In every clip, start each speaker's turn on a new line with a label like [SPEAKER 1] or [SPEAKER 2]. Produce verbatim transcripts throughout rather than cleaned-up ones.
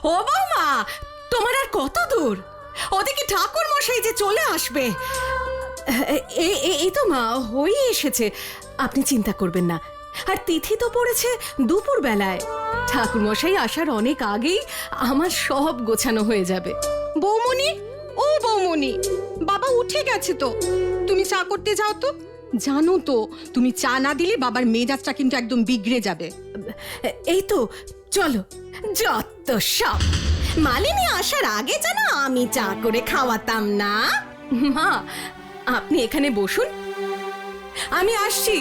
[SPEAKER 1] ও বৌমা, তোমার আর কত দূর? ওদিকে ঠাকুর মশাই যে চলে আসবে। এই এই তো মা, হয়ে এসেছে, আপনি চিন্তা করবেন না। আর তিথি তো পড়েছে দুপুর বেলায়। ঠাকুর মশাই আসার অনেক আগেই আমার সব গোছানো হয়ে যাবে।
[SPEAKER 2] বৌমনি, ও বৌমনি, বাবা উঠে গেছে তো, তুমি চা করতে যাও তো। জানো তো, তুমি চা না দিলে বাবার মেজাজটা কিন্তু একদম বিগড়ে যাবে।
[SPEAKER 1] এই তো চলো। যত সব, মালিনী আসার আগে যেন আমি চা করে খাওয়াতাম না। মা, আপনি এখানে বসুন, আমি আসছি।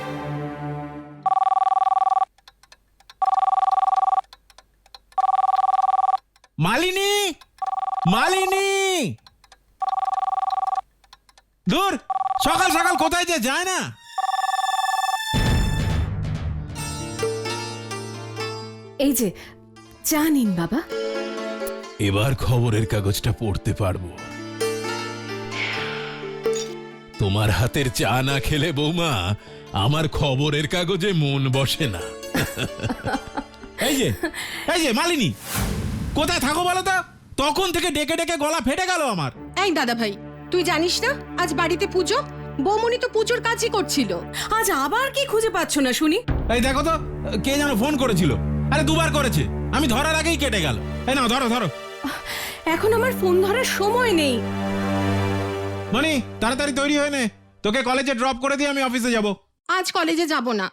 [SPEAKER 3] মালিনী, মালিনী, দূর, সকাল সকাল কোথায় যে যায় না।
[SPEAKER 1] এই যে চা নিন বাবা।
[SPEAKER 3] এবার খবরের কাগজটা পড়তে পারবো। তোমার হাতের চা না খেলে বৌমা আমার খবরের কাগজে মন বসে না। এই যে এই যে মালিনী, কোথায় থাকো বলো তো? তখন থেকে ডেকে ডেকে গলা ফেটে গেল আমার।
[SPEAKER 2] এই দাদা ভাই, তুই জানিস না আজ বাড়িতে পুজো? বৌমনি তো পুজোর কাজই করছিল।
[SPEAKER 1] আজ আবার কি খুঁজে পাচ্ছ না শুনি?
[SPEAKER 3] এই দেখো তো, কে যেন ফোন করেছিল। আরে দুবার করেছে, আমি ধরার আগেই কেটে গেল। এই নাও ধরো ধরো।
[SPEAKER 1] এখন আমার ফোন ধরার সময় নেই।
[SPEAKER 3] মনি, তাড়াতাড়ি তৈরি হয়ে নে, তোকে কলেজে ড্রপ করে দিয়ে আমি অফিসে যাব।
[SPEAKER 2] আজ কলেজে যাব না।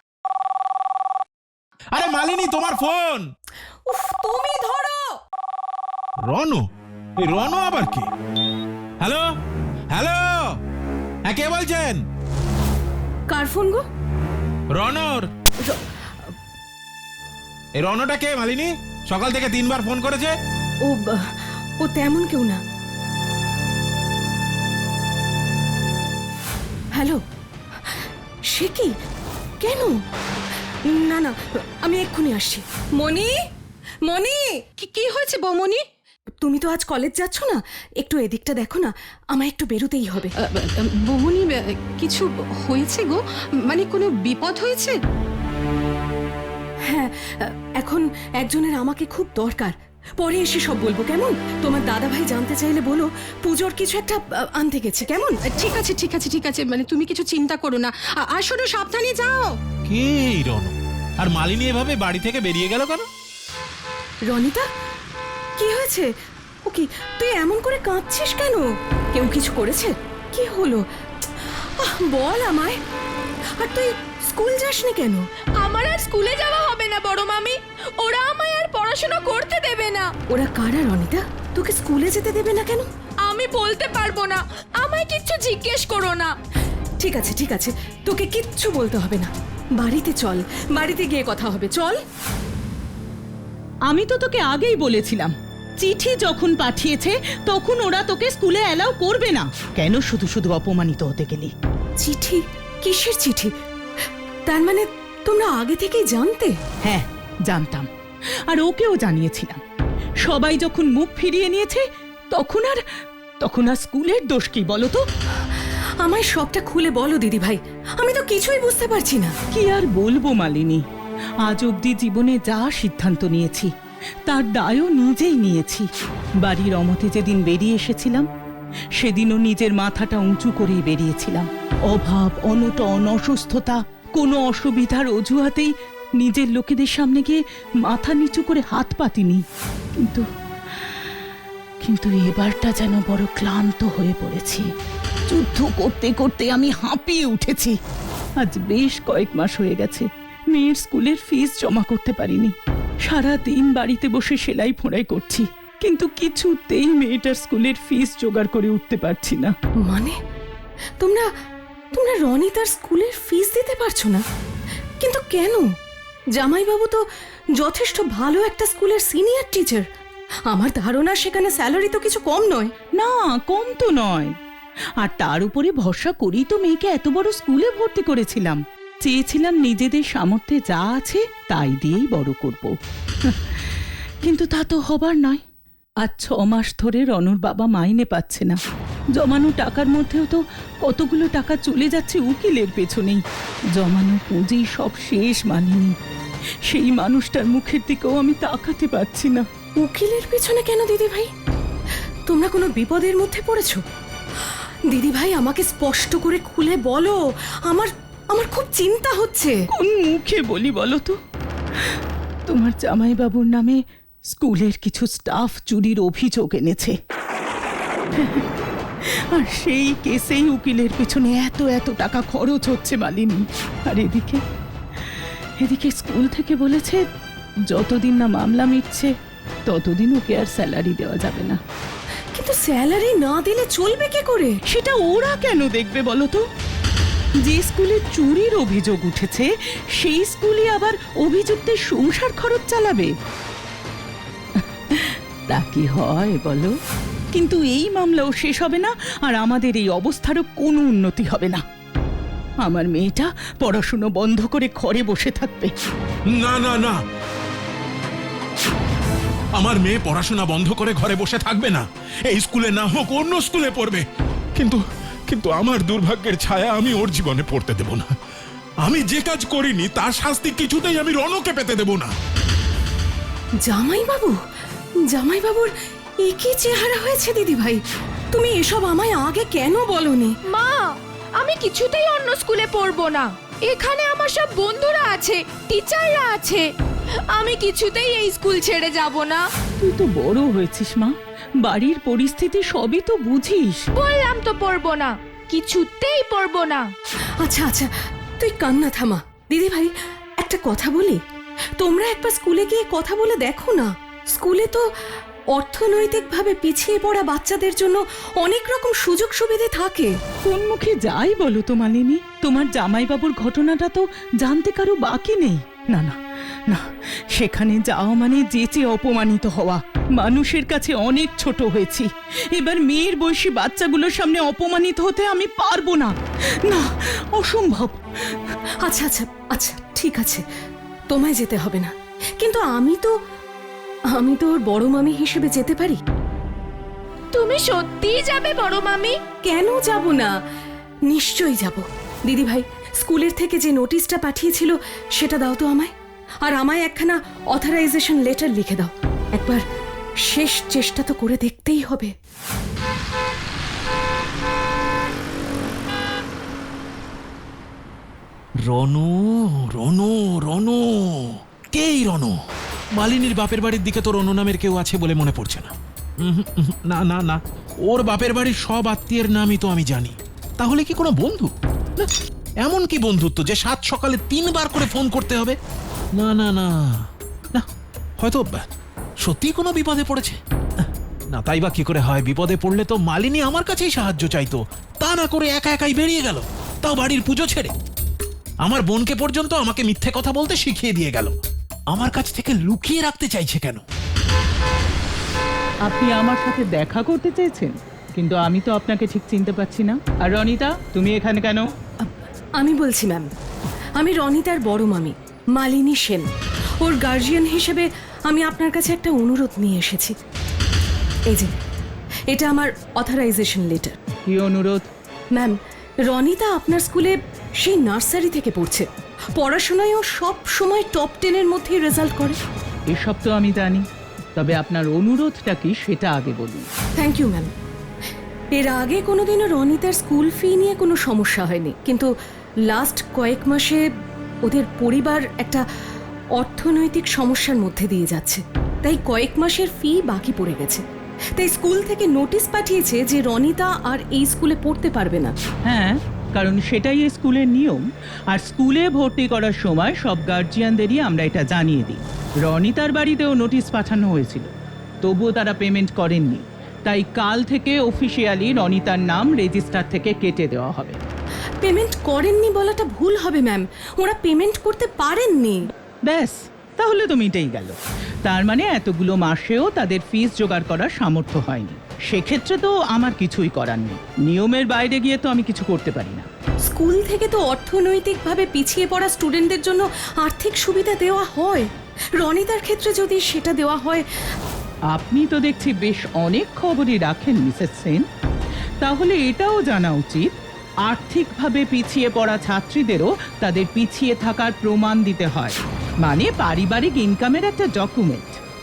[SPEAKER 3] আরে মালিনী, তোমার ফোন।
[SPEAKER 1] উফ, তুমি ধরো।
[SPEAKER 3] রনো, এই রনো আবার কি? হ্যালো হ্যালো, হ্যাঁ কে বলছেন?
[SPEAKER 1] কার ফোন গো?
[SPEAKER 3] রনর। এই রনোটা কে মালিনী? সকাল থেকে তিনবার ফোন করেছে।
[SPEAKER 1] ও ও তেমন কেউ না। হ্যালো, সে কি? কেন? না না, আমি এক্ষুনি আসছি। মনি, মনি,
[SPEAKER 2] কি কি হয়েছে বৌমনি?
[SPEAKER 1] তুমি তো আজ কলেজ যাচ্ছ না, একটু এদিকটা দেখো না, আমায় একটু বেরোতেই হবে।
[SPEAKER 2] বৌমনি, কিছু হয়েছে গো? মানে কোনো বিপদ হয়েছে?
[SPEAKER 1] হ্যাঁ, এখন একজনের আমাকে খুব দরকার, পরে এসে সব বলবো, কেমন? তোমার দাদা ভাই জানতে চাইলে বলো পুজোর কিছু একটা আনতে গেছি, কেমন?
[SPEAKER 2] ঠিক আছে ঠিক আছে ঠিক আছে, মানে তুমি কিছু চিন্তা করো না। আর শোনো, সাবধানে যাও।
[SPEAKER 3] কে এই রনো? আর মালিনী এভাবে বাড়ি থেকে বেরিয়ে গেল কেন?
[SPEAKER 1] রনিতা, কি হয়েছে? ও কি, তুই এমন করে কাঁদছিস কেন? কেউ কিছু করেছে? কি হলো? আহ, বল আমায়। আর তুই স্কুল যাসনি কেন?
[SPEAKER 4] আমার আর স্কুলে যাওয়া হবে না বড় মামি, ওরা আমায় আর পড়াশোনা করতে দেবে না।
[SPEAKER 1] ওরা কারা রনিতা? তোকে স্কুলে যেতে দেবে না কেন?
[SPEAKER 4] আমি বলতে পারবো না, আমায় কিচ্ছু জিজ্ঞেস করো না।
[SPEAKER 1] ঠিক আছে ঠিক আছে, তোকে কিচ্ছু বলতে হবে না। বাড়িতে চল, বাড়িতে গিয়ে কথা হবে, চল।
[SPEAKER 5] আমি তো তোকে আগেই বলেছিলাম, চিঠি যখন পাঠিয়েছে তখন ওরা তোকে স্কুলে অ্যালাউ করবে না। কেন শুধু শুধু অপমানিত হতে গেলি?
[SPEAKER 1] চিঠি? কিসের চিঠি? তার মানে তোমরা আগে থেকেই জানতে?
[SPEAKER 5] হ্যাঁ, জানতাম, আর ওকেও জানিয়েছিলাম। সবাই যখন মুখ ফিরিয়ে নিয়েছে তখন আর তখন আর স্কুলের দোষ কি বলো তো?
[SPEAKER 1] আমায় সবটা খুলে বলো দিদি ভাই, আমি তো কিছুই বুঝতে পারছি না।
[SPEAKER 5] কি আর বলবো মালিনী, আজ অবধি জীবনে যা সিদ্ধান্ত নিয়েছি তার দায়ও নিজেই নিয়েছি। বাড়ির অমতে যেদিন বেরিয়ে এসেছিলাম সেদিনও নিজের মাথাটা উঁচু করেই বেরিয়েছিলাম। অভাব, অনটন, অসুস্থতা, কোনো অসুবিধার অজুহাতেই নিজের লোকেদের সামনে গিয়ে মাথা নিচু করে হাত পাতিনি। কিন্তু কিন্তু এবারটা যেন বড় ক্লান্ত হয়ে পড়েছি। যুদ্ধ করতে করতে আমি হাঁপিয়ে উঠেছি। আজ বেশ কয়েক মাস হয়ে গেছে মেয়ের স্কুলের ফিস জমা করতে পারিনি। সারা দিন বাড়িতে বসে সেলাই ফোড়াই করছি, কিন্তু কিছুতেই মেয়েটার স্কুলের ফিস জোগাড় করে উঠতে পারছি না।
[SPEAKER 1] মানে তোমরা তোমরা রনিতার স্কুলের ফিস দিতে পারছো না? কিন্তু কেন? জামাইবাবু তো যথেষ্ট ভালো একটা স্কুলের সিনিয়র টিচার। আমার ধারণা সেখানে স্যালারি তো কিছু কম নয়।
[SPEAKER 5] না, কম তো নয়। আর তার উপরে ভরসা করেই তো মেয়েকে এত বড় স্কুলে ভর্তি করেছিলাম। চেয়েছিলাম নিজেদের সামর্থ্যে যা আছে তাই দিয়েই বড় করব। কিন্তু তা তো হবার নয়। আজ ছ মাস ধরে রনুর বাবা মাইনে পাচ্ছে না। জমানো টাকার মধ্যেও তো কতগুলো টাকা চলে যাচ্ছে উকিলের পেছনেই। জমানো পুঁজি সব শেষ। মানিনি, সেই মানুষটার মুখের দিকেও আমি তাকাতে পারছি না।
[SPEAKER 1] উকিলের পেছনে কেন দিদি ভাই? তোমরা কোনো বিপদের মধ্যে পড়েছো? দিদি ভাই আমাকে স্পষ্ট করে খুলে বলো, আমার আমার খুব চিন্তা হচ্ছে।
[SPEAKER 5] কোন মুখে বলি বলো তো? তোমার জামাইবাবুর নামে স্কুলের কিছু স্টাফ চুরির অভিযোগ এনেছে, আর সেই কেসেই উকিলের পেছনে এত এত টাকা খরচ হচ্ছে মালিনী। আর এদিকে এদিকে স্কুল থেকে বলেছে যতদিন না মামলা মিটছে ততদিন ওকে আর স্যালারি দেওয়া যাবে না।
[SPEAKER 1] কিন্তু স্যালারি না দিলে চলবে কি করে?
[SPEAKER 5] সেটা ওরা কেন দেখবে বলো তো? যে স্কুলে চুরির অভিযোগ উঠেছে সেই স্কুলে আবার অভিযুক্তের সংসার খরচ চালাবে? তা কি হয় বলো? কিন্তু এই মামলাও শেষ হবে না, আর আমাদের এই অবস্থারও কোনো উন্নতি হবে না। আমার মেয়েটা পড়াশুনো বন্ধ করে ঘরে বসে থাকবে।
[SPEAKER 3] না না না, আমার মেয়ে পড়াশোনা বন্ধ করে ঘরে বসে থাকবে না। এই স্কুলে না হোক অন্য স্কুলে পড়বে, কিন্তু কিন্তু আমার দুর্ভাগ্যের ছায়া আমি ওর জীবনে পড়তে দেব না। আমি যে কাজ করিনি তার শাস্তি কিছুতেই আমি রনকে পেতে দেব না।
[SPEAKER 1] জামাইবাবু, জামাইবাবুর একই চেহারা হয়েছে দিদি ভাই। তুমি এসব আমায় আগে কেন বলনি?
[SPEAKER 4] মা, আমি কিছুতেই অন্য স্কুলে পড়বো না। এখানে আমার সব বন্ধুরা আছে, টিচাররা আছে। আমি কিছুতেই এই স্কুল ছেড়ে যাব না।
[SPEAKER 5] তুই তো বড় হয়েছিস মা, বাড়ির পরিস্থিতি সবই তো বুঝিস।
[SPEAKER 4] বললাম তো পড়বো না, কিছুতেই পড়বো না।
[SPEAKER 1] আচ্ছা আচ্ছা, তুই কান্না থামা। দিদি ভাই একটা কথা বলি, তোমরা একবার স্কুলে গিয়ে কথা বলে দেখো না। স্কুলে তো অর্থনৈতিকভাবে পিছিয়ে পড়া বাচ্চাদের জন্য অনেক রকম সুযোগ সুবিধে থাকে।
[SPEAKER 5] কোন মুখে যাই বলো তো মালিনী, তোমার জামাইবাবুর ঘটনাটা তো জানতে কারো বাকি নেই। না না না, সেখানে যাওয়া মানে যেচে অপমানিত হওয়া। মানুষের কাছে অনেক ছোট হয়েছি, এবার মেয়ের বয়সী বাচ্চাগুলোর সামনে অপমানিত হতে আমি পারবো না। না, অসম্ভব।
[SPEAKER 1] আচ্ছা আচ্ছা আচ্ছা, ঠিক আছে, তোমায় যেতে হবে না, কিন্তু আমি তো আমি তো ওর বড় মামি হিসেবে যেতে পারি।
[SPEAKER 4] তুমি সত্যিই যাবে বড় মামি?
[SPEAKER 1] কেন যাব না, নিশ্চয়ই যাব। দিদি ভাই, স্কুলের থেকে যে নোটিশটা পাঠিয়েছিল সেটা দাও তো আমায়, আর আমায় একখানা অথরাইজেশন লেটার লিখে দাও। একবার শেষ চেষ্টা তো করে দেখতেই হবে।
[SPEAKER 3] রনু রনু রনু, কেই রনু? মালিনীর বাপের বাড়ির দিকে তো রনু নামের কেউ আছে বলে মনে পড়ছে না। উহুম, উহুম, না না না, ওর বাপের বাড়ির সব আত্মীয়ের নামই তো আমি জানি। তাহলে কি কোনো বন্ধু? না, এমন কি বন্ধুত্ব যে সাত সকালে তিনবার করে ফোন করতে হবে? না না না না, হয়তো সত্যি কোনো বিপদে পড়েছে। না, তাই বা কি করে হয়? বিপদে পড়লে তো মালিনী আমার কাছেই সাহায্য চাইতো, তা না করে একা একাই বেরিয়ে গেল, তাও বাড়ির পুজো ছেড়ে। আমার বোনকে পর্যন্ত আমাকে মিথ্যে কথা বলতে শিখিয়ে দিয়ে গেল। আমার কাছ থেকে লুকিয়ে রাখতে চাইছে কেন?
[SPEAKER 5] আপনি আমার সাথে দেখা করতে চেয়েছেন, কিন্তু আমি তো আপনাকে ঠিক চিনতে পারছি না। আর রনিতা, তুমি এখানে কেন?
[SPEAKER 1] আমি বলছি ম্যাম, আমি রনিতার বড় মামি মালিনী সেন। ওর গার্জিয়ান হিসেবে আমি আপনার কাছে একটা অনুরোধ নিয়ে এসেছি। এই যে, এটা আমার অথরাইজেশন লেটার।
[SPEAKER 5] কি অনুরোধ?
[SPEAKER 1] ম্যাম, রনিতা আপনার স্কুলে সেই নার্সারি থেকে পড়ছে। পড়াশোনায় ও সব সময় টপ টেনের মধ্যেই রেজাল্ট করে।
[SPEAKER 5] এসব তো আমি জানি, তবে আপনার অনুরোধটা কি সেটা আগে বলুন।
[SPEAKER 1] Thank you ma'am. এর আগে কোনোদিনও রনিতার স্কুল ফি নিয়ে কোনো সমস্যা হয়নি, কিন্তু লাস্ট কয়েক মাসে ওদের পরিবার একটা অর্থনৈতিক সমস্যার মধ্যে দিয়ে যাচ্ছে, তাই কয়েক মাসের ফি বাকি পড়ে গেছে। তাই স্কুল থেকে নোটিশ পাঠিয়েছে যে রনিতা আর এই স্কুলে পড়তে পারবে না।
[SPEAKER 5] হ্যাঁ, কারণ সেটাই এই স্কুলের নিয়ম। আর স্কুলে ভর্তি করার সময় সব গার্জিয়ানদেরই আমরা এটা জানিয়ে দিই। রনিতার বাড়িতেও নোটিশ পাঠানো হয়েছিল, তবুও তারা পেমেন্ট করেননি। তাই কাল থেকে অফিসিয়ালি রনিতার নাম রেজিস্টার থেকে কেটে দেওয়া হবে।
[SPEAKER 1] পেমেন্ট করেননি বলাটা ভুল হবে ম্যাম, ওরা পেমেন্ট করতে পারেননি।
[SPEAKER 5] ব্যাস, তাহলে তো মিটেই গেল। তার মানে এতগুলো মাসেও তাদের ফিস জোগাড় করার সামর্থ্য হয়নি। সেক্ষেত্রে তো আমার কিছুই করার নেই, নিয়মের বাইরে গিয়ে তো আমি কিছু করতে পারি না।
[SPEAKER 1] স্কুল থেকে তো অর্থনৈতিকভাবে পিছিয়ে পড়া স্টুডেন্টদের জন্য আর্থিক সুবিধা দেওয়া হয়। রনিতার ক্ষেত্রে যদি সেটা দেওয়া হয়।
[SPEAKER 5] আপনি তো দেখছি বেশ অনেক খবরই রাখেন মিসেস সেন, তাহলে এটাও জানা উচিত আর্থিকভাবে পিছিয়ে পড়া ছাত্রীদেরও তাদের পিছিয়ে থাকার প্রমাণ দিতে হয়, মানে পারিবারিক ইনকামের একটা ডকুমেন্ট।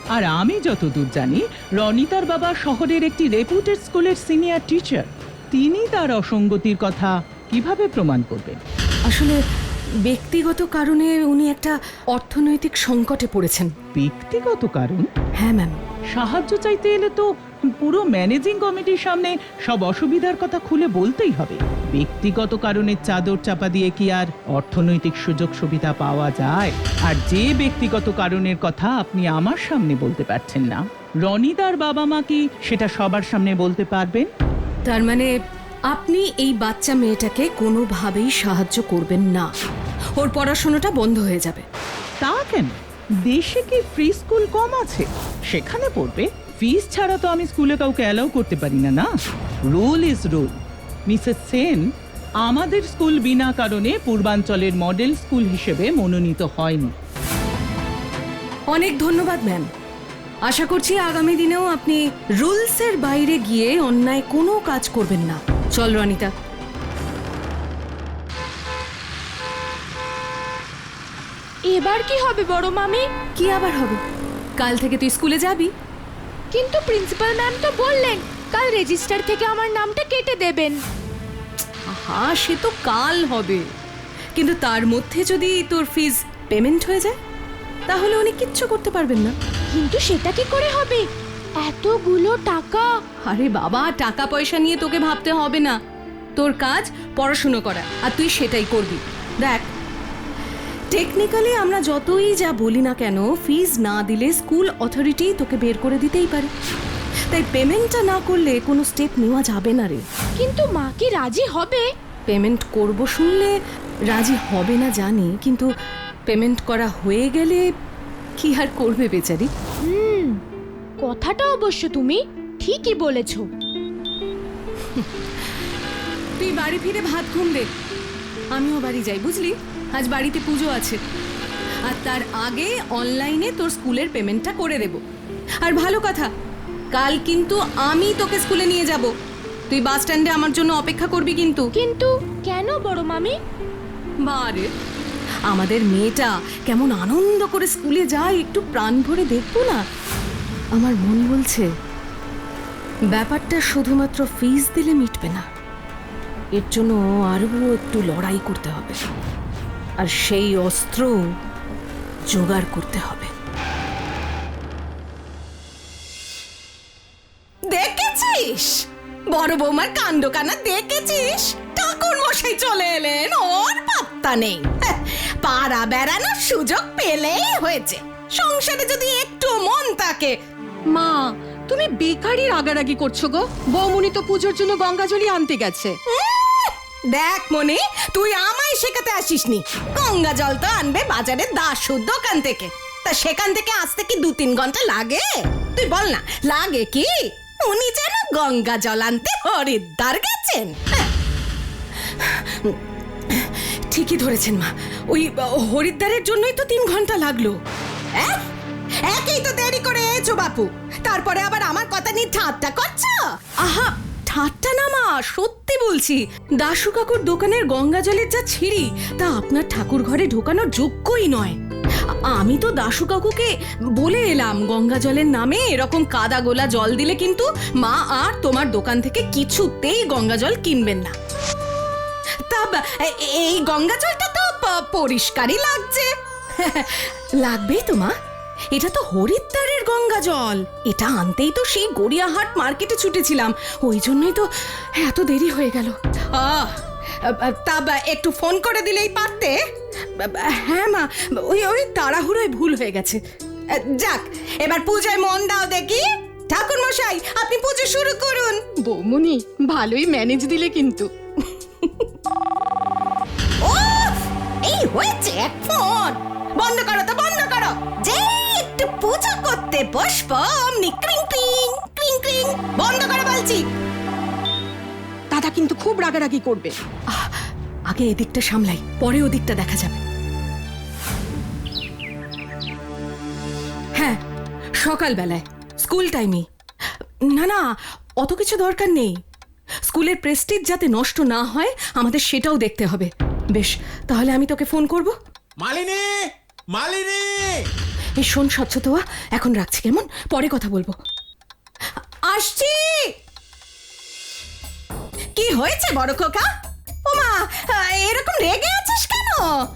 [SPEAKER 5] আর আমি যতদূর জানি রনিতার বাবা শহরের একটি রেপুটেড স্কুলের সিনিয়র টিচার। তিনি তার অসঙ্গতির কথা কিভাবে প্রমাণ করবেন?
[SPEAKER 1] আসলে ব্যক্তিগত কারণে উনি একটা অর্থনৈতিক সংকটে পড়েছেন।
[SPEAKER 5] ব্যক্তিগত কারণ?
[SPEAKER 1] হ্যাঁ ম্যাম।
[SPEAKER 5] সাহায্য চাইতে এলে তো পুরো ম্যানেজিং কমিটির সামনে সব অসুবিধার কথা খুলে বলতেই হবে। ব্যক্তিগত কারণের চাদর চাপা দিয়ে কি আর অর্থনৈতিক সুযোগ সুবিধা পাওয়া যায়? আর যে ব্যক্তিগত কারণের কথা আপনি আমার সামনে বলতে পারছেন না, রনিতার বাবা মা কি সেটা সবার সামনে বলতে পারবেন?
[SPEAKER 1] তার মানে আপনি এই বাচ্চা মেয়েটাকে কোনোভাবেই সাহায্য করবেন না, ওর পড়াশোনাটা বন্ধ হয়ে যাবে।
[SPEAKER 5] তা কেন? দেশে কি ফ্রি স্কুল কম আছে? সেখানে পড়বে। ফিস ছাড়া তো আমি স্কুলে কাউকে অ্যালাউ করতে পারি না। না, rule is rule. Mrs Sen, আমাদের স্কুল বিনা কারণে পূর্বাঞ্চলের মডেল স্কুল হিসেবে মনোনীত হয়নি।
[SPEAKER 1] অনেক ধন্যবাদ ম্যাম। আশা করছি আগামী দিনেও আপনি রুলসের বাইরে গিয়ে অন্যায় কোনো কাজ করবেন না। চল রনিতা।
[SPEAKER 4] এবার কি হবে বড় মামি?
[SPEAKER 1] কি আবার হবে? কাল থেকে তুই স্কুলে যাবি।
[SPEAKER 4] কিন্তু প্রিন্সিপাল ম্যাম তো বললেন কাল রেজিস্টার থেকে আমার নামটা কেটে দেবেন।
[SPEAKER 1] হ্যাঁ, সে তো কাল হবে, কিন্তু তার মধ্যে যদি তোর ফিজ পেমেন্ট হয়ে যায় তাহলে উনি কিচ্ছু করতে পারবেন না।
[SPEAKER 4] কিন্তু সেটা কি করে হবে? এতগুলো টাকা।
[SPEAKER 1] আরে বাবা, টাকা পয়সা নিয়ে তোকে ভাবতে হবে না। তোর কাজ পড়াশুনো করা, আর তুই সেটাই করবি। দেখ, টেকনিক্যালি আমরা যতই যা বলি না কেন, ফিজ না দিলে স্কুল অথরিটি তোকে বের করে দিতেই পারে। তাই পেমেন্টটা না করলে কোনো স্টেপ নেওয়া যাবে না রে।
[SPEAKER 4] কিন্তু মা কি রাজি হবে?
[SPEAKER 1] পেমেন্ট করব শুনলে রাজি হবে না জানি, কিন্তু পেমেন্ট করা হয়ে গেলে কি আর করবে বেচারি।
[SPEAKER 4] হুম, কথাটা অবশ্য তুমি ঠিকই বলেছো।
[SPEAKER 1] তুই বাড়ি ফিরে ভাত ঘুম দে, আমিও বাড়ি যাই, বুঝলি? আজ বাড়িতে পুজো আছে, আর তার আগে অনলাইনে তোর স্কুলের পেমেন্টটা করে দেব। আর ভালো কথা, কাল কিন্তু আমি তোকে স্কুলে নিয়ে যাব। তুই বাস স্ট্যান্ডে আমার জন্য অপেক্ষা করবি কিন্তু।
[SPEAKER 4] কিন্তু কেন বড় মামি?
[SPEAKER 1] বারে, আমাদের মেয়েটা কেমন আনন্দ করে স্কুলে যায়, একটু প্রাণ ভরে দেখবো না? আমার মন বলছে ব্যাপারটা শুধুমাত্র ফিস দিলে মিটবে না, এর জন্য আরও একটু লড়াই করতে হবে, আর সেই অস্ত্র জোগাড় করতে হবে। দেখেছিস বড় বৌমার কাণ্ড কানা? দেখেছিস ঠাকুর মশাই চলে এলেন, ওর পাত্তা নেই। হ্যাঁ, পাড়া বেড়ানোর সুযোগ পেলেই হয়েছে। সংসারে যদি একটু মন থাকে।
[SPEAKER 2] মা, তুমি বেকারি রাগারাগি করছো গো। বৌমনি তো পুজোর জন্য গঙ্গাজলি আনতে গেছে।
[SPEAKER 1] উম, দেখ মনে, তুই আমায় শেখাতে আসিসনি। গঙ্গা জল তো আনবে বাজারের দাসুর দোকান থেকে, তা সেখান থেকে আসতে কি দু তিন ঘন্টা লাগে? তুই বল না, লাগে কি? উনি যেন গঙ্গা জল আনতে হরিদ্বার গেছেন। হ্যাঁ। ঠিকই ধরেছেন মা, ওই হরিদ্বারের জন্যই তো তিন ঘন্টা লাগলো। হ্যাঁ, একই তো দেরি করে এসো বাপু, তারপরে আবার আমার কথা নিয়ে ঠাট্টা করছো। আহা, ঠাট্টা না মা, সত্যি বলছি। দাশু কাকুর দোকানের গঙ্গা জলের যা ছিঁড়ি, তা আপনার ঠাকুর ঘরে ঢোকানোর যোগ্যই নয়। আমি তো দাশু কাকুকে বলে এলাম, গঙ্গা জলের নামে এরকম কাদা গোলা জল দিলে কিন্তু মা আর তোমার দোকান থেকে কিছুতেই গঙ্গা জল কিনবেন না। তা এই গঙ্গা জলটা তো পরিষ্কারই লাগছে। লাগবেই তো মা, এটা তো হরিদ্বারের গঙ্গা জল। এটা আনতেই তো সেই গড়িয়াহাট মার্কেটে ছুটেছিলাম, ওই জন্যই তো এত দেরি হয়ে গেল। আহ, তা একটু ফোন করে দিলেই পারতে। হ্যাঁ মা, ওই ওই তাড়াহুড়োয় ভুল হয়ে গেছে। যাক, এবার পূজায় মন দাও দেখি। ঠাকুর মশাই, আপনি পুজো শুরু করুন।
[SPEAKER 2] বৌমনি ভালোই ম্যানেজ দিলে কিন্তু।
[SPEAKER 1] ও, এই হয়েছে এক ফোন। বন্ধ করো তো, বন্ধ করো। যে একটু পূজা করতে বসব, অমনি ক্রিং ক্রিং ক্রিং ক্রিং। বন্ধ করো বলছি।
[SPEAKER 2] দাদা কিন্তু খুব রাগারাগি করবে।
[SPEAKER 1] আহ, আগে এদিকটা সামলাই, পরে ওদিকটা দেখা যাবে। হ্যাঁ, সকালবেলায় স্কুল টাইমে। না না, অত কিছু দরকার নেই। স্কুলের প্রেস্টিজ যাতে নষ্ট না হয় আমাদের সেটাও দেখতে হবে। বেশ, তাহলে আমি তোকে ফোন করব।
[SPEAKER 3] মালিনী, মালিনী,
[SPEAKER 1] এই শোন স্বচ্ছতোয়া, এখন রাখছি কেমন, পরে কথা বলবো। আসছি। কি হয়েছে বড় খোকা? ওমা, এরকম রেগে আছিস কেন?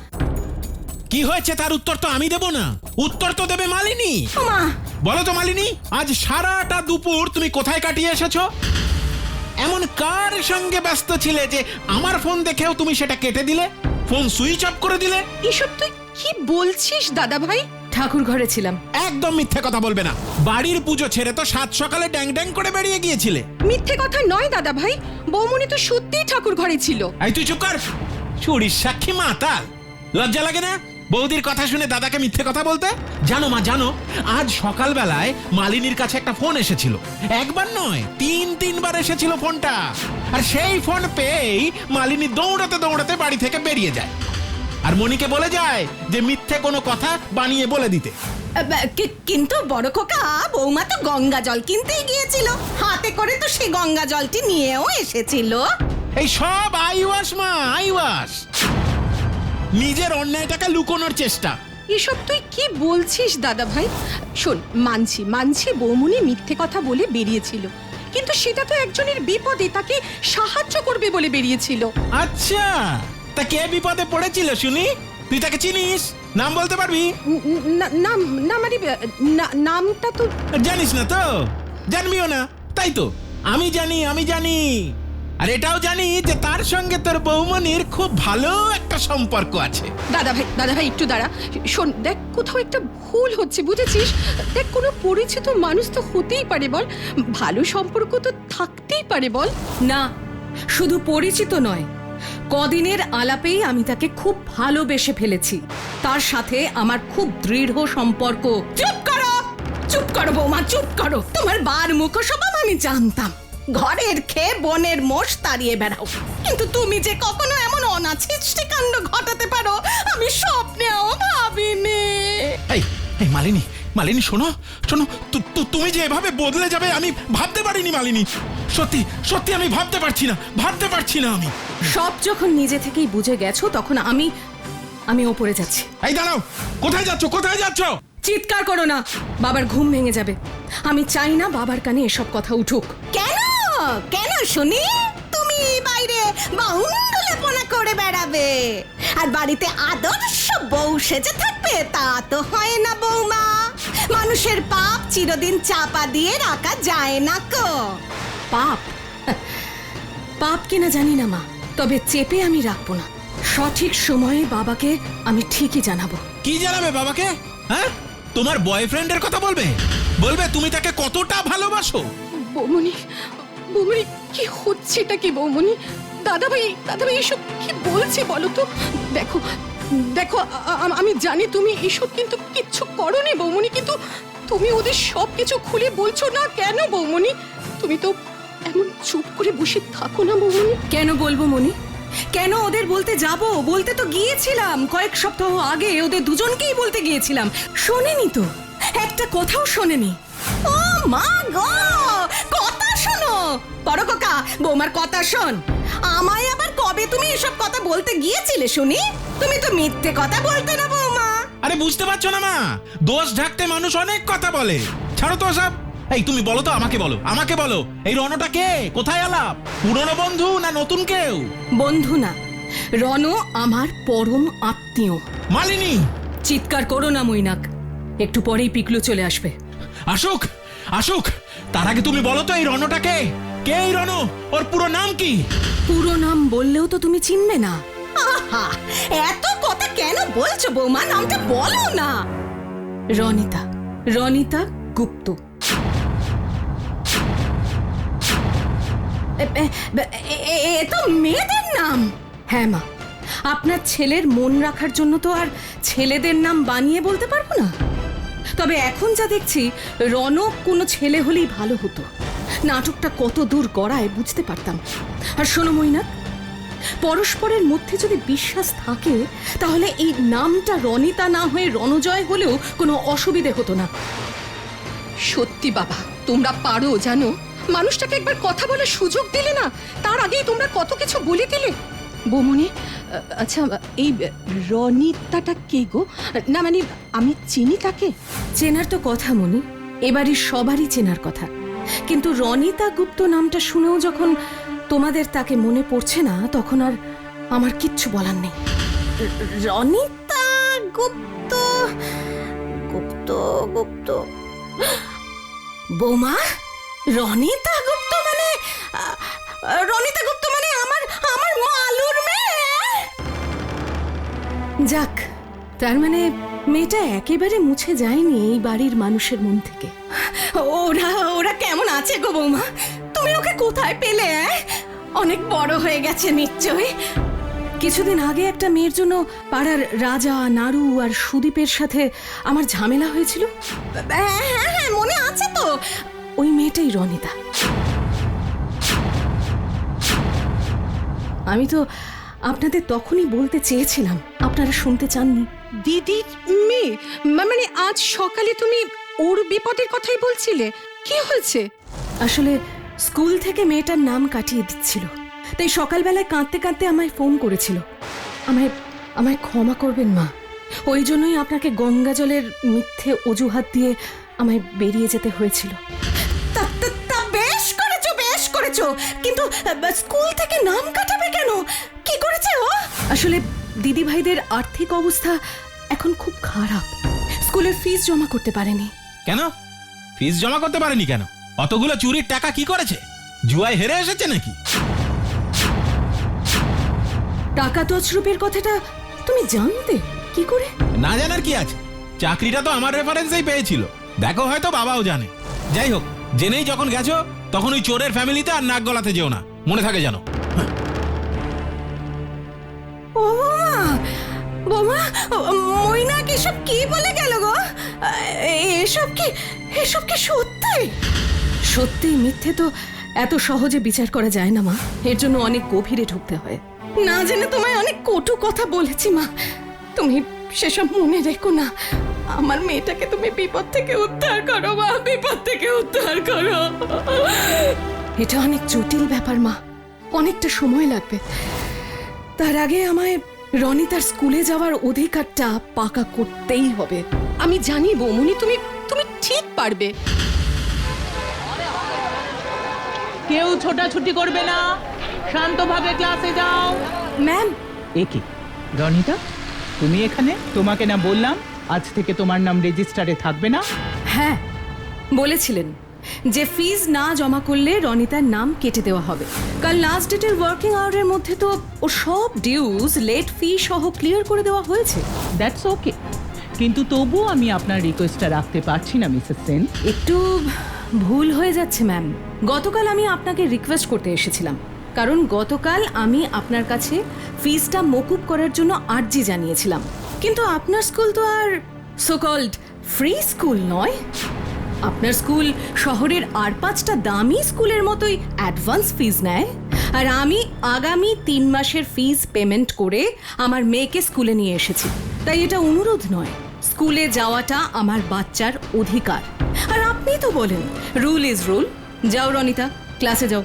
[SPEAKER 3] কি হয়েছে তার উত্তর তো আমি দেব না, উত্তর তো দেবে মালিনী।
[SPEAKER 1] ওমা,
[SPEAKER 3] বলো তো মালিনী, আজ সারাটা দুপুর তুমি কোথায় কাটিয়ে এসেছো? এমন কার সঙ্গে ব্যস্ত ছিলে যে আমার ফোন দেখেও তুমি সেটা কেটে দিলে, ফোন সুইচ অফ করে দিলে?
[SPEAKER 2] এসব তুই কি বলছিস দাদা ভাই?
[SPEAKER 1] ঠাকুর ঘরে ছিলাম।
[SPEAKER 3] একদম মিথ্যে কথা বলবে না। বাড়ির পুজো ছেড়ে তো সাত সকালে ড্যাং ড্যাং করে বেরিয়ে গিয়েছিলে।
[SPEAKER 2] মিথ্যে কথা নয় দাদা ভাই, বৌমনি তো সত্যিই ঠাকুর ঘরে ছিল।
[SPEAKER 3] এই তুই চুপ কর, চুরির সাক্ষী মাতাল। লজ্জা লাগে না বৌদির কথা শুনে দাদাকে মিথ্যে কথা বলতে? জানো মা, জানো আজ সকালবেলায় মালিনীর কাছে একটা ফোন এসেছিল। একবার নয়, তিন তিনবার এসেছিল ফোনটা। আর সেই ফোন পেয়েই মালিনী দৌড়াতে দৌড়াতে বাড়ি থেকে বেরিয়ে যায়, আর মনিকে বলে যায় যে মিথ্যে কোনো কথা বানিয়ে বলে দিতে।
[SPEAKER 1] কি- কিন্তু বড় খোকা, বৌমা তো গঙ্গা জল কিনতেই গিয়েছিল, হাতে করে তো সেই গঙ্গা জলটি নিয়েও এসেছিল।
[SPEAKER 3] এই সব আইওয়াস মা, আইওয়াস। নিজের অন্যায়টাকে লুকোনোর চেষ্টা।
[SPEAKER 2] এসব তুই কি বলছিস দাদা ভাই? শোন, মানছি মানছি বৌমনি মিথ্যে কথা বলে বেরিয়েছিল, কিন্তু সেটা তো একজনের বিপদে তাকে সাহায্য করবে বলে বেরিয়েছিল।
[SPEAKER 3] আচ্ছা, তা কে বিপদে পড়েছিল শুনি? তুই তাকে চিনিস? নাম বলতে পারবি?
[SPEAKER 2] ন- ন- নাম না মানে না- নামটা তো
[SPEAKER 3] জানিস না তো, জানবিও না, তাই তো। আমি জানি, আমি জানি, আর এটাও জানি যে তার সঙ্গে তোর বৌমনির খুব ভালো একটা সম্পর্ক আছে।
[SPEAKER 2] দাদা ভাই দাদা ভাই একটু দাঁড়া। শোন, দেখ কোথাও একটা ভুল হচ্ছে, বুঝেছিস? দেখ, কোনো পরিচিত মানুষ তো হতেই পারে বল, ভালো সম্পর্ক তো থাকতেই পারে বল।
[SPEAKER 1] না, শুধু পরিচিত নয়, কদিনের আলাপেই আমি তাকে খুব ভালোবেসে ফেলেছি। তার সাথে আমার খুব দৃঢ় সম্পর্ক। চুপ করো, চুপ করো বৌমা, চুপ করো। তোমার বার মুখ স্বভাব আমি জানতাম, ঘরের খেয়ে বনের মোষ তাড়িয়ে বেড়াও, কিন্তু তুমি যে কখনো এমন অনাছিষ্টি কাণ্ড ঘটাতে পারো আমি স্বপ্নেও ভাবিনি।
[SPEAKER 3] এই এই মালিনী, মালিনী শোনো, শোনো, তু- তু- তুমি যে এভাবে বদলে যাবে আমি ভাবতে পারিনি মালিনী। সত্যি সত্যি আমি ভাবতে পারছি না, ভাবতে পারছি না আমি।
[SPEAKER 1] সব যখন নিজে থেকেই বুঝে গেছো, তখন আমি আমি ওপরে যাচ্ছি।
[SPEAKER 3] এই দাঁড়াও, কোথায় যাচ্ছ, কোথায় যাচ্ছ?
[SPEAKER 1] চিৎকার করো না, বাবার ঘুম ভেঙে যাবে। আমি চাই না বাবার কানে এসব কথা উঠুক। কেন কেন শুনি? তুমি বাইরে বাউন্ডুলেপনা করে বেড়াবে আর বাড়িতে আদর্শ বউ সেজে থাকবে, তা তো হয় না বৌমা। মানুষের পাপ চিরদিন চাপা দিয়ে রাখা যায় না কো। পাপ পাপ কিনা জানি না মা, তবে চেপে আমি রাখবো না। সঠিক সময়ে বাবাকে আমি ঠিকই জানাবো।
[SPEAKER 3] কি জানাবে বাবাকে? হ্যাঁ, তোমার বয়ফ্রেন্ডের কথা বলবে? বলবে তুমি তাকে কতটা ভালোবাসো?
[SPEAKER 2] বৌমনি, বৌমনি কি হচ্ছেটা কি বৌমনি? দাদা ভাই দাদা ভাই এসব কি বলছে বলো তো? দেখো দেখো, আ- আ- আমি জানি তুমি এসব কিন্তু কিচ্ছু করোনি বৌমনি, কিন্তু তুমি ওদের সব কিছু খুলে বলছো না কেন বৌমনি? তুমি তো এমন চুপ করে বসে থাকো না বৌমনি।
[SPEAKER 1] কেন বলবো মনি? কেন ওদের বলতে যাব? বলতে তো গিয়েছিলাম, কয়েক সপ্তাহ আগে ওদের দুজনকেই বলতে গিয়েছিলাম। শোনেনি তো, একটা কথাও শোনেনি। ও মা গো, কথা শোনো বড় কাকা, বৌমার কথা শোন। আমায় আবার কবে তুমি এসব কথা বলতে গিয়েছিলে শুনি? তুমি তো মিথ্যে কথা বলতে না বৌমা।
[SPEAKER 3] আরে বুঝতে পারছো না মা, দোষ ঢাকতে মানুষ অনেক কথা বলে। ছাড়ো তো সব। এই তুমি বলো তো, আমাকে বলো, আমাকে বলো, এই রণটা কে? কোথায় আলাপ? পুরনো বন্ধু না নতুন কেউ?
[SPEAKER 1] বন্ধু না, রণ আমার পরম আত্মীয়।
[SPEAKER 3] মালিনী!
[SPEAKER 1] চিৎকার করো না মৈনাক, একটু পরেই পিকলু চলে আসবে।
[SPEAKER 3] আসুক, আসুক, তার আগে তুমি বলো তো এই রণটা কে? কে এই রণ? ওর পুরো নাম কি?
[SPEAKER 1] পুরো নাম বললেও তো তুমি চিনবে না। আহা, এত কথা কেন বলছো বৌমা? নামটা বলো না। রনিতা, রনিতা গুপ্ত। এ- এ- এ- এ- এ তো মেয়েদের নাম। হ্যাঁ মা, আপনার ছেলের মন রাখার জন্য তো আর ছেলেদের নাম বানিয়ে বলতে পারবো না। তবে এখন যা দেখছি, রনক কোনো ছেলে হলেই ভালো হতো। নাটকটা কত দূর গড়ায় বুঝতে পারতাম। আর শোনো মৈনাক, পরস্পরের মধ্যে যদি বিশ্বাস থাকে, তাহলে এই নামটা রনিতা না হয়ে রণজয় হলেও কোনো অসুবিধে হতো না।
[SPEAKER 2] সত্যি বাবা, তোমরা পারো জানো। মানুষটাকে একবার কথা বলার সুযোগ দিলে না, তার আগেই তোমরা কত কিছু বলে দিলে। বৌমনি আ- আচ্ছা এই রনিতাটা কে গো? না মানে আমি চিনি তাকে।
[SPEAKER 1] চেনার তো কথা মনি, এবারই সবারই চেনার কথা, কিন্তু রনিতা গুপ্ত নামটা শুনেও যখন তোমাদের তাকে মনে পড়ছে না, তখন আর আমার কিচ্ছু বলার নেই। র- রনিতা গুপ্ত গুপ্ত গুপ্ত বৌমা, রনিতা গুপ্ত মানে আ, রনিতা গুপ্ত মানে আমার আমার মালুর মেয়ে। যাক, তার মানে মেয়েটা একেবারে মুছে যায়নি এই বাড়ির মানুষের মন থেকে। ওরা ওরা কেমন আছে গো বৌমা? তুমি ওকে কোথায় পেলে? অ্যাঁ? অনেক বড় হয়ে গেছে নিশ্চয়ই। কিছুদিন আগে একটা মেয়ের জন্য পাড়ার রাজা, নাড়ু আর সুদীপের সাথে আমার ঝামেলা হয়েছিল। হ্যাঁ হ্যাঁ হ্যাঁ, মনে আছে তো। ওই মেয়েটাই রনিতা। আমি তো আপনাদের তখনই বলতে চেয়েছিলাম, আপনারা শুনতে চাননি।
[SPEAKER 2] দিদির মেয়ে? মা- মানে আজ সকালে তুমি ওর বিপদের কথাই বলছিলে, কি হয়েছে?
[SPEAKER 1] আসলে স্কুল থেকে মেয়েটার নাম কাটিয়ে দিচ্ছিল, তাই সকালবেলায় কাঁদতে কাঁদতে আমায় ফোন করেছিল। আমায় আমায় ক্ষমা করবেন মা, ওই জন্যই আপনাকে গঙ্গা জলের মিথ্যে অজুহাত দিয়ে আমায় বেরিয়ে যেতে হয়েছিল। তা- তা- তা বেশ করেছো, বেশ করেছো, কিন্তু আহ, স্কুল থেকে নাম কাটাবে কেন? কি করেছে ও? আসলে দিদি ভাইদের আর্থিক অবস্থা এখন খুব খারাপ, স্কুলের ফিস জমা করতে পারেনি।
[SPEAKER 3] কেন ফিস জমা করতে পারেনি কেন? অতগুলো চুরির টাকা কি করেছে? জুয়ায় হেরে এসেছে নাকি?
[SPEAKER 1] টাকা তছরূপের কথাটা তুমি জানতে কি করে?
[SPEAKER 3] না জানার কি আছে, চাকরিটা তো আমার রেফারেন্সেই পেয়েছিল। দেখো হয়তো বাবাও জানে। যাই হোক, জেনেই যখন গেছো তখন ওই চোরের ফ্যামিলিতে আর নাক গলাতে যেও না, মনে থাকে জানো।
[SPEAKER 1] ও বোমা, মইনাক এসব কি বলে গেল গো? এসব কি এসব কি সত্যি? সত্যি মিথ্যে তো এত সহজে বিচার করা যায় না মা, এর জন্য অনেক গভীরে ঢুকতে হয়। না জেনে তোমায় অনেক কটু কথা বলেছি মা, তুমি সেসব মনে রেখো না। আমার মেয়েটাকে তুমি বিপদ থেকে উদ্ধার করো মা, বিপদ থেকে উদ্ধার করো। এটা অনেক জটিল ব্যাপার মা, অনেকটা সময় লাগবে। তার আগে আমায় রনিতার স্কুলে যাওয়ার অধিকারটা পাকা করতেই হবে।
[SPEAKER 2] আমি জানি বৌমনি, তুমি তুমি ঠিক পারবে।
[SPEAKER 5] কেউ ছোটাছুটি করবে না, শান্তভাবে ক্লাসে যাও।
[SPEAKER 1] ম্যাম,
[SPEAKER 5] একে রনিতা, তুমি এখানে? তোমাকে না বললাম আজ থেকে তোমার নাম রেজিস্টারে থাকবে না?
[SPEAKER 1] হ্যাঁ বলেছিলেন যে ফিজ না জমা করলে রনিতার নাম কেটে দেওয়া হবে। কাল লাস্ট ডেটের ওয়ার্কিং আওয়ারের মধ্যে তো ও সব ডিউজ, লেট ফি সহ ক্লিয়ার করে দেওয়া হয়েছে।
[SPEAKER 5] দ্যাটস ওকে, কিন্তু তবুও আমি আপনার রিকোয়েস্টটা রাখতে পারছি না মিসেস সেন।
[SPEAKER 1] একটু ভুল হয়ে যাচ্ছে ম্যাম। গতকাল আমি আপনাকে রিকোয়েস্ট করতে এসেছিলাম, কারণ গতকাল আমি আপনার কাছে ফিজটা মকুব করার জন্য আর্জি জানিয়েছিলাম। কিন্তু আপনার স্কুল তো আর সো কল্ড ফ্রি স্কুল নয়। আপনার স্কুল শহরের আর পাঁচটা দামি স্কুলের মতোই অ্যাডভান্স ফিজ নেয়, আর আমি আগামী তিন মাসের ফিজ পেমেন্ট করে আমার মেয়েকে স্কুলে নিয়ে এসেছি। তাই এটা অনুরোধ নয়, স্কুলে যাওয়াটা আমার বাচ্চার অধিকার। আর আপনি তো বলেন রুল ইজ রুল। যাও রনিতা, ক্লাসে যাও।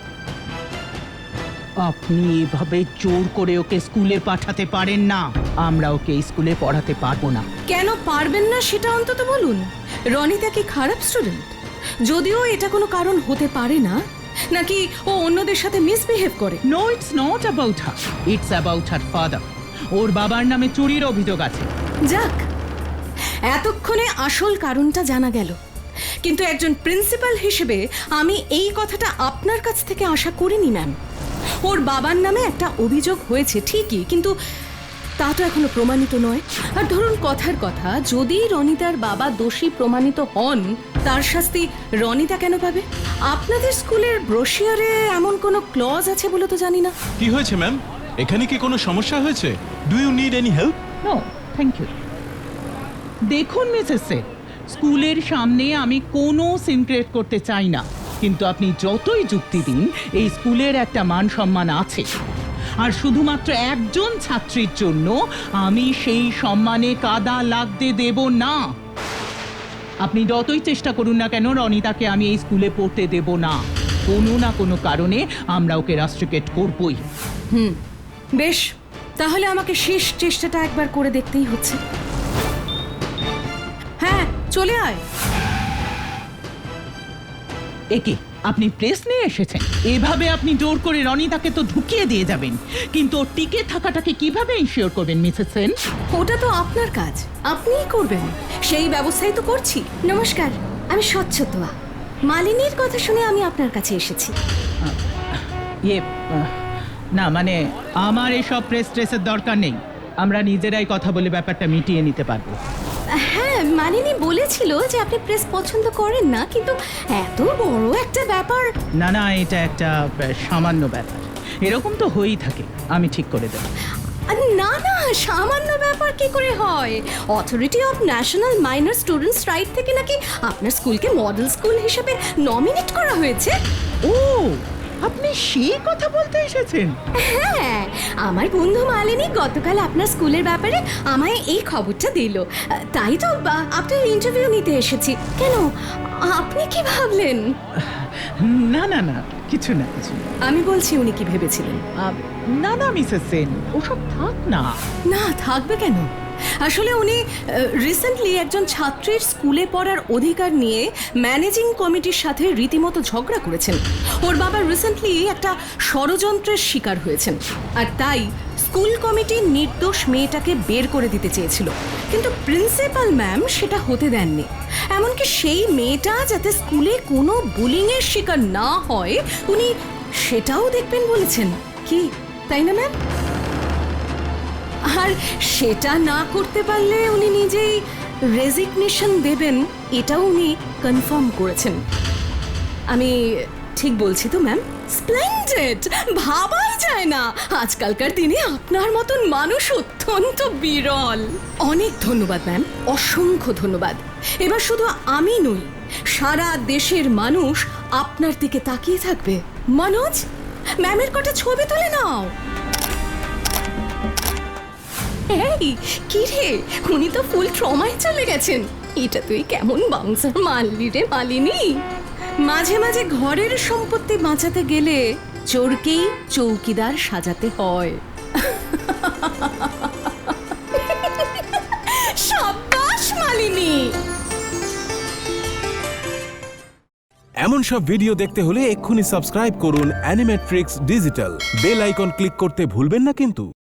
[SPEAKER 5] আপনি এভাবে জোর করে ওকে স্কুলে পাঠাতে পারেন না। আমরা ওকে স্কুলে পড়াতে পারবো না।
[SPEAKER 1] কেন পারবেন না সেটা অন্তত বলুন। রনিতা কি খারাপ স্টুডেন্ট? যদিও এটা কোনো কারণ হতে পারে না, নাকি ও অন্যদের সাথে মিসবিহেভ করে?
[SPEAKER 5] No, it's not about her, it's about her father. ওর বাবার নামে চুরির অভিযোগ আছে।
[SPEAKER 1] যাক, এতক্ষণে আসল কারণটা জানা গেল। কিন্তু একজন প্রিন্সিপাল হিসেবে আমি এই কথাটা আপনার কাছ থেকে আশা করিনি ম্যাম। ওর বাবার নামে একটা অভিযোগ হয়েছে ঠিকই, কিন্তু তা তো এখনো প্রমাণিত নয়। আর ধরুন কথার কথা, যদি রনিতার বাবা দোষী প্রমাণিত হন, তার শাস্তি রনিতা কেন পাবে? আপনাদের স্কুলের ব্রোশিয়ারে এমন কোনো ক্লজ আছে বলে তো জানি না।
[SPEAKER 6] কি হয়েছে ম্যাম? এখানে কি কোনো সমস্যা হয়েছে? Do you need any help?
[SPEAKER 5] No thank you. দেখুন মিসেস সেন, স্কুলের সামনে আমি কোনো সিন ক্রিয়েট করতে চাই না, কিন্তু আপনি যতই যুক্তি দিন, এই স্কুলের একটা মান সম্মান আছে, আর শুধুমাত্র একজন ছাত্রীর জন্য আমি সেই সম্মানে কাদা লাগতে দেব না। আপনি যতই চেষ্টা করুন না কেন, রনিতাকে আমি এই স্কুলে পড়তে দেব না। কোনো না কোনো কারণে আমরা ওকে রাস্ট্রিকেট করবই।
[SPEAKER 1] হুম, বেশ, তাহলে আমাকে শেষ চেষ্টাটা একবার করে দেখতেই হচ্ছে। হ্যাঁ, চলে আয়।
[SPEAKER 5] একে আপনি প্রেস নিয়ে এসেছেন, এভাবে আপনি জোর করে রনিতাকে তো ঢুকিয়ে দিয়ে যাবেন, কিন্তু ওর টিকে থাকাটাকে কিভাবে ইনশিওর করবেন মিসেস সেন?
[SPEAKER 1] ওটা তো আপনার কাজ, আপনিই করবেন। সেই ব্যবস্থাই তো করছি। নমস্কার, আমি স্বচ্ছতোয়া। মালিনীর কথা শুনে আমি আপনার কাছে এসেছি।
[SPEAKER 5] ইয়ে আহ, না মানে আমার এসব প্রেস ট্রেসের দরকার নেই, আমরা নিজেরাই কথা বলে ব্যাপারটা মিটিয়ে নিতে পারবো।
[SPEAKER 1] হ্যাঁ, মালিনী বলেছিল যে আপনি প্রেস পছন্দ করেন না, কিন্তু এত বড় একটা ব্যাপার।
[SPEAKER 5] না না, এটা একটা আহ, সামান্য ব্যাপার, এরকম তো হয়েই থাকে, আমি ঠিক করে দেবো।
[SPEAKER 1] আরে না না, সামান্য ব্যাপার কি করে হয়? Authority of national minor students right থেকে নাকি আপনার স্কুলকে মডেল স্কুল হিসেবে নমিনেট করা হয়েছে।
[SPEAKER 5] ও, আপনি সেই কথা বলতে এসেছেন?
[SPEAKER 1] হ্যাঁ, আমার বন্ধু মালিনী গতকাল আপনার স্কুলের ব্যাপারে আমায় এই খবরটা দিল, তাই তো বা- আপনার ইন্টারভিউ নিতে এসেছি। কেন, আপনি কি ভাবলেন?
[SPEAKER 5] না না না, কিছু না কিছু না।
[SPEAKER 1] আমি বলছি উনি কি ভেবেছিলেন।
[SPEAKER 5] আহ, না না মিসেস সেন, ওসব থাক না।
[SPEAKER 1] না, থাকবে কেন? আসলে উনি রিসেন্টলি একজন ছাত্রীর স্কুলে পড়ার অধিকার নিয়ে ম্যানেজিং কমিটির সাথে রীতিমতো ঝগড়া করেছেন। ওর বাবা রিসেন্টলি একটা ষড়যন্ত্রের শিকার হয়েছেন, আর তাই স্কুল কমিটি নির্দোষ মেয়েটাকে বের করে দিতে চেয়েছিল, কিন্তু প্রিন্সিপাল ম্যাম সেটা হতে দেননি। এমনকি সেই মেয়েটা যাতে স্কুলে কোনো বুলিংয়ের শিকার না হয় উনি সেটাও দেখবেন বলেছেন। কি, তাই না ম্যাম? আর সেটা না করতে পারলে উনি নিজেই রেজিগনেশন দেবেন, এটাও উনি কনফার্ম করেছেন। আমি ঠিক বলছি তো ম্যাম? স্প্লেন্ডেড! ভাবাই যায় না আজকালকার দিনে আপনার মতন মানুষ অত্যন্ত বিরল। অনেক ধন্যবাদ ম্যাম, অসংখ্য ধন্যবাদ। এবার শুধু আমি নই, সারা দেশের মানুষ আপনার দিকে তাকিয়ে থাকবে। মনোজ, ম্যামের কটা ছবি তুলে নাও। এই কি রে, উনি তো ফুল ট্রমায় চলে গেছেন। এটা তুই কেমন বাউন্সার মারলি রে মালিনী। মাঝে মাঝে ঘরের সম্পত্তি বাঁচাতে গেলে চোরকেই চৌকিদার সাজাতে হয়। সাব্বাস মালিনী।
[SPEAKER 7] এমন সব ভিডিও দেখতে হলে এক্ষুনি সাবস্ক্রাইব করুন Animetrix digital. Bell icon click করতে ভুলবেন না কিন্তু।